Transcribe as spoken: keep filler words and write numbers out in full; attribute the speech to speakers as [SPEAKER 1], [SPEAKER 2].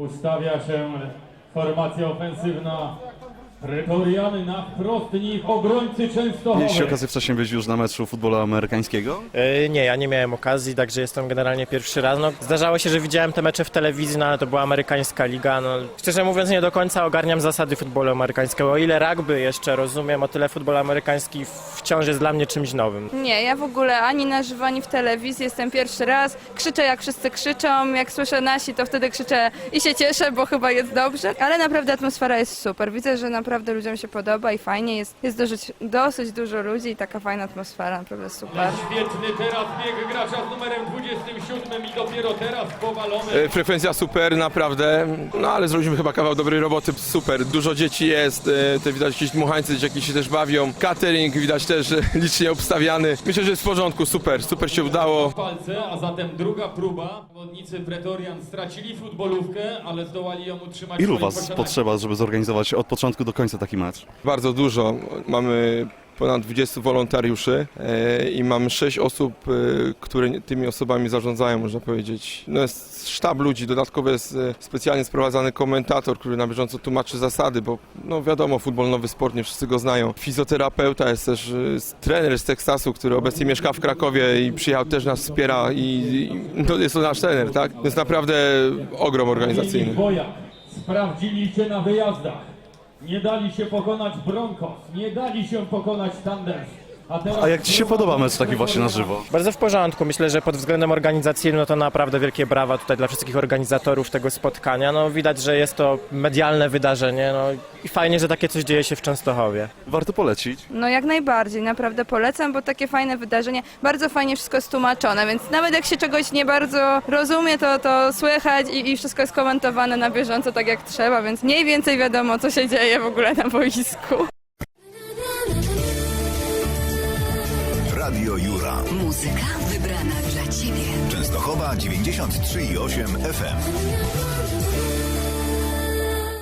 [SPEAKER 1] Ustawia się formacja ofensywna. Pretoriany na wprost nich obrońcy Częstochowy.
[SPEAKER 2] Mieliście okazję wcześniej być już na meczu futbolu amerykańskiego?
[SPEAKER 3] Yy, nie, ja nie miałem okazji, także jestem generalnie pierwszy raz. No, zdarzało się, że widziałem te mecze w telewizji, no, ale to była amerykańska liga. No, szczerze mówiąc, nie do końca ogarniam zasady futbolu amerykańskiego. O ile rugby jeszcze rozumiem, o tyle futbol amerykański wciąż jest dla mnie czymś nowym.
[SPEAKER 4] Nie, ja w ogóle ani na żywo, ani w telewizji jestem pierwszy raz. Krzyczę jak wszyscy krzyczą, jak słyszę nasi, to wtedy krzyczę i się cieszę, bo chyba jest dobrze. Ale naprawdę atmosfera jest super. Widzę, że naprawdę ludziom się podoba i fajnie jest. Jest dosyć, dosyć dużo ludzi i taka fajna atmosfera, naprawdę super.
[SPEAKER 1] Świetny teraz bieg gracza z numerem dwudziestym siódmym i dopiero teraz powalony.
[SPEAKER 5] Frekwencja super, naprawdę, no ale zrobiliśmy chyba kawał dobrej roboty, super, dużo dzieci jest, te widać jakieś dmuchańcy, dzieciaki się też bawią, catering widać też licznie obstawiany, myślę, że jest w porządku, super, super się udało.
[SPEAKER 1] Palce, a zatem druga próba. Zawodnicy Pretorian stracili futbolówkę, ale zdołali ją utrzymać.
[SPEAKER 2] Ilu
[SPEAKER 1] w swoim
[SPEAKER 2] was
[SPEAKER 1] posiadaniu.
[SPEAKER 2] potrzeba, żeby zorganizować od początku do końca taki mecz?
[SPEAKER 5] Bardzo dużo, mamy ponad dwudziestu wolontariuszy e, i mamy sześć osób, e, które tymi osobami zarządzają, można powiedzieć. No jest sztab ludzi, dodatkowo jest e, specjalnie sprowadzany komentator, który na bieżąco tłumaczy zasady, bo no wiadomo, futbol nowy sport, nie wszyscy go znają. Fizjoterapeuta jest też e, trener z Teksasu, który obecnie mieszka w Krakowie i przyjechał, też nas wspiera i, i no jest to nasz trener, tak? To jest naprawdę ogrom organizacyjny.
[SPEAKER 1] Wojak sprawdzili się na wyjazdach. Nie dali się pokonać Broncos, nie dali się pokonać Thunders. A, teraz...
[SPEAKER 2] A jak ci się podoba mecz taki właśnie na żywo?
[SPEAKER 3] Bardzo w porządku. Myślę, że pod względem organizacyjnym no to naprawdę wielkie brawa tutaj dla wszystkich organizatorów tego spotkania. No, widać, że jest to medialne wydarzenie no, i fajnie, że takie coś dzieje się w Częstochowie.
[SPEAKER 2] Warto polecić.
[SPEAKER 4] No jak najbardziej, naprawdę polecam, bo takie fajne wydarzenie, bardzo fajnie wszystko jest tłumaczone, więc nawet jak się czegoś nie bardzo rozumie, to, to słychać i, i wszystko jest komentowane na bieżąco tak jak trzeba, więc mniej więcej wiadomo, co się dzieje w ogóle na boisku.
[SPEAKER 6] Radio Jura.
[SPEAKER 7] Muzyka wybrana dla Ciebie.
[SPEAKER 6] Częstochowa dziewięćdziesiąt trzy i osiem F M.